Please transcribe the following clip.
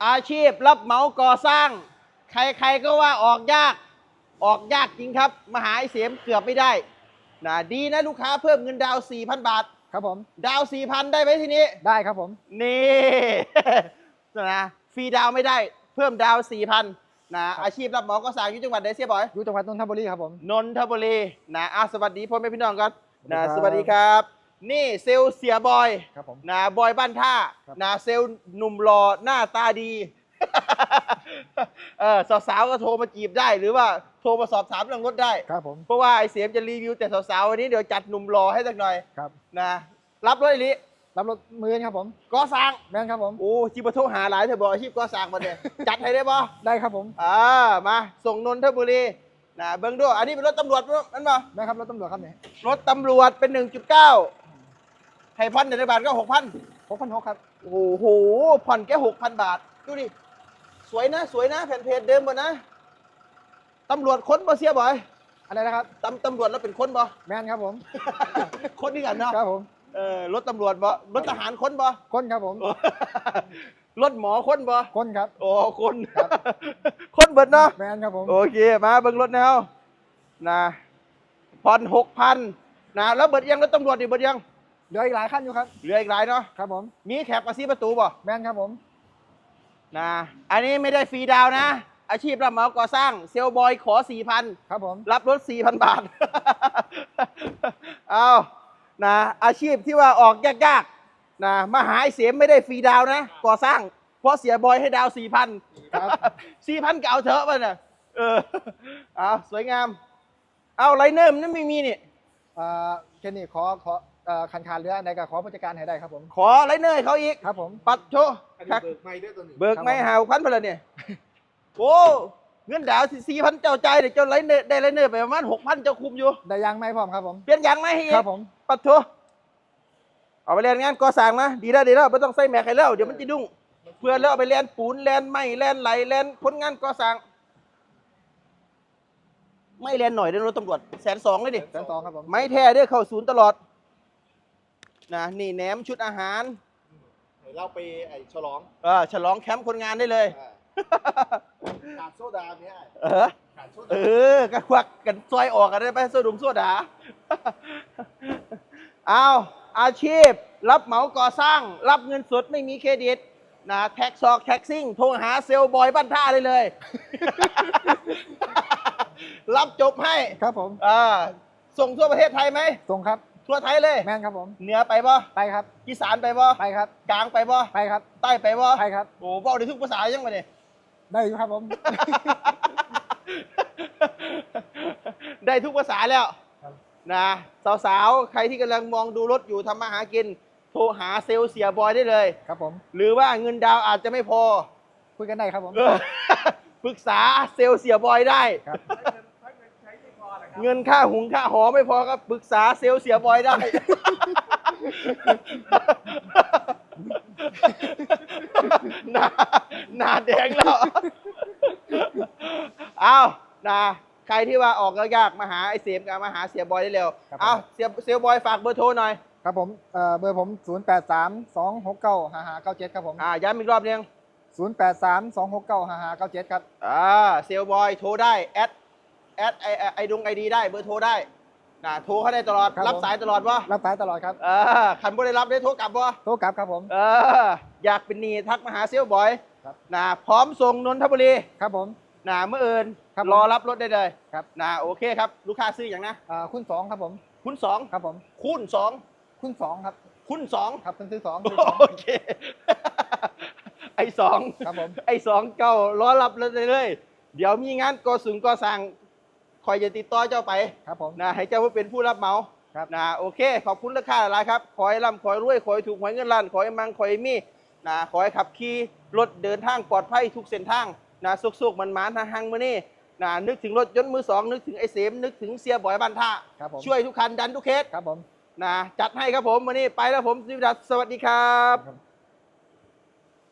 อาชีพรับเหมาก่อสร้างใครๆก็ว่าออกยากจริงครับมาหาไอ้เสียมเกือบไม่ได้นะดีนะลูกค้าเพิ่มเงินดาว 4,000 บาทครับผมดาว 4,000 ได้ไหมทีนี้ได้ครับผมนี่ นะฟรีดาวไม่ได้เพิ่มดาว 4,000นะอาชีพรับเหมาก่อสร้างอยู่จังหวัดไหนเสียบอยอยู่จังหวัดนนทบุรีครับผมนนทบุรีนะสวัสดีพ่อแม่พี่น้องกันนะสวัสดีครับนี่เซลเสียบอยครับผมนะบอยบ้านท่านะเซลหนุ่มหล่อหน้าตาดีสาวๆก็โทรมาจีบได้หรือว่าโทรมาสอบถามเรื่องรถได้ครับผมเพราะว่าไอเสียมจะรีวิวแต่สาวๆวันนี้เดี๋ยวจัดหนุ่มหล่อให้สักหน่อยครับนะรับรถอีลิรับรถมือครับผมก่อสร้างแม่นครับผมโอ้จิบโทรหาหลายเธอบอกอาชีพก่อสร้างมาเนี่ยจัดให้ได้ป่ะได้ครับผมมาส่งนนทบุรีนะเบิ้งด้วยอันนี้เป็นรถตำรวจนั่นป่ะแม่ครับรถตำรวจครับเนี่ยรถตำรวจเป็น 1.9 ให้ผ่อนในบาทก็ 6,000 6,600ครับโอ้โหผ่อนแค่ 6,000 บาทดูดิสวยนะแผ่นเพจเดิมหมดนะตำรวจค้นบ่เสียบ่อยอะไรนะครับตำรวจแล้วเป็นค้นบ่แม่นครับผมค้นนี่กันเนาะครับผมรถตำรวจบ่รถทหารค้นบ่ค้นครับผมรถหมอค้นบ่ค้นครับโอ้คนค้นเบิดเนาะแม่นครับผมโอเคมาเบิ่งรถแนวนะผ่อน 6,000 นะแล้วเบิดยังรถตำรวจดิเบิดยังเหลืออีกหลายขั้นอยู่ครับเหลืออีกหลายเนาะครับผมมีแขกมาซีประตูบ่แม่นครับผมนะอันนี้ไม่ได้ฟรีดาวนะอาชีพรับเหมาก่อสร้างเซลบอยขอ 4,000 ครับผมรับรถ 4,000 บาท เอานะอาชีพที่ว่าออกยากๆนะมาหาไอ้เสียมไม่ได้ฟรีดาวนะก่อสร้างเพราะเสียบอยให้ดาว 4,000 ครับ 4,000ก็เอาเถอะป่ะเนี่ยเอาสวยงามเอาไลเนอร์มันไม่มีนี่แค่นี้ขอคันเรือในกับขอผู้จัดการให้ได้ครับผมขอไลเนอร์เขาอีกครับผมปัดโชเบิกไม่ด้วยตัวนี้เบิกไม่หาพันไปเลยเนี่ยโอ้เงินดาว 4,000 เจ้าใจเดี๋ยวเจ้าไลเนอร์ได้ไลเนอร์ไปประมาณ 6,000 เจ้าคุมอยู่ได้ยังไหมพร้อมครับผมเปลี่ยนยางไหมให้ครับผมปัดโชเอาไปเรียนงานก่อสร้างนะดีแล้วไม่ต้องใส่แม็กให้แล้วเดี๋ยวมันจะดุ้งเพื่อนแล้วเอาไปเรียนปูนเรียนไม้เรียนไหลเรียนผลงานก่อสร้างไม่เรียนหน่อยเดินรถตำรวจ120,000เลยดิ 120,000ครับผมไม่แท้เด้อเข้าศูนย์ตลอดนะนี่แหนมชุดอาหารเราไปฉลองฉลองแคมป์คนงานได้เลยขาดโซดาเนี่ยขาดโซดาก็ควักกันซอยออกกันได้ไปโซดุมโซดาเอาอาชีพรับเหมาก่อสร้างรับเงินสดไม่มีเครดิตนะแท็กซอกแท็กซิ่งโทรหาเซลบอยบ้านท่าได้เลย รับจบให้ครับผมส่งทั่วประเทศไทยไหมส่งครับทั่วไทยเลยแม่นครับผมเหนือไปบ่ไปครับอีสานไปบ่ไปครับกลางไปบ่ไปครับใต้ไปบ่ไปครับโอ้บอกได้ทุกภาษายังไงเนี่ยได้อยู่ครับผมได้ทุกภาษาแล้วนะสาวๆใครที่กำลังมองดูรถอยู่ทำมาหากินโทรหาเซลล์เสียบอยได้เลยครับผมหรือว่าเงินดาวอาจจะไม่พอคุยกันได้ครับผมปรึกษาเซลล์เสียบอยได้เงินค่าหุงค่าหอไม่พอก็ปรึกษาเซลล์เสียบอยได้หน้าแดงแล้วเอาใครที่ว่าออกยากมาหาไอ้เสียมกับมาหาเสียบอยได้เร็วเอาเสียบอยฝากเบอร์โทรหน่อยครับผมเบอร์ผม0832695597ครับผมย้ำอีกรอบนึง 0832695597ครับเซลบอยโทรได้แอดไอดีได้เบอร์โทรได้โทรเขาได้ตลอดรับสายตลอดวะรับสายตลอดครับขันบ่ได้รับได้โทรกลับวะโทรกลับครับผมอยากเป็นหนี้ทักมาหาเซลบอยพร้อมส่งนนทบุรีครับผมเมื่ออื่นรอรับรถได้เลยครับโอเคครับลูกค้าซื้ออย่างนะคุณ2ครับผมคุณ2 ครับผมคุณ2 คุณ2ครับคุณ2 ครับเป็นซื้อ2 โอเคไอ้2 ครับผมไอ้2เก้ารอรับรถได้เลยเดี๋ยวมีงานก่อสร้างคอยจะติดต่อเจ้าไปครับผมให้เจ้าเป็นผู้รับเหมาครับโอเคขอบคุณราคาหลายครับขอให้ร่ำขอให้รวยขอให้ถูกหวยเงินล้านขอให้มังขอให้มีขอให้ขับขี่รถเดินทางปลอดภัยทุกเส้นทางสุกๆมันๆทางมื้อนี้นึกถึงรถยนต์มือ2นึกถึงไอ้เสมนึกถึงเสียบ่อยบ้านท่าช่วยทุกคันดันทุกเคสครับผมจัดให้ครับผมวันนี้ไปแล้วผมสิวิดัสสวัสดีครับ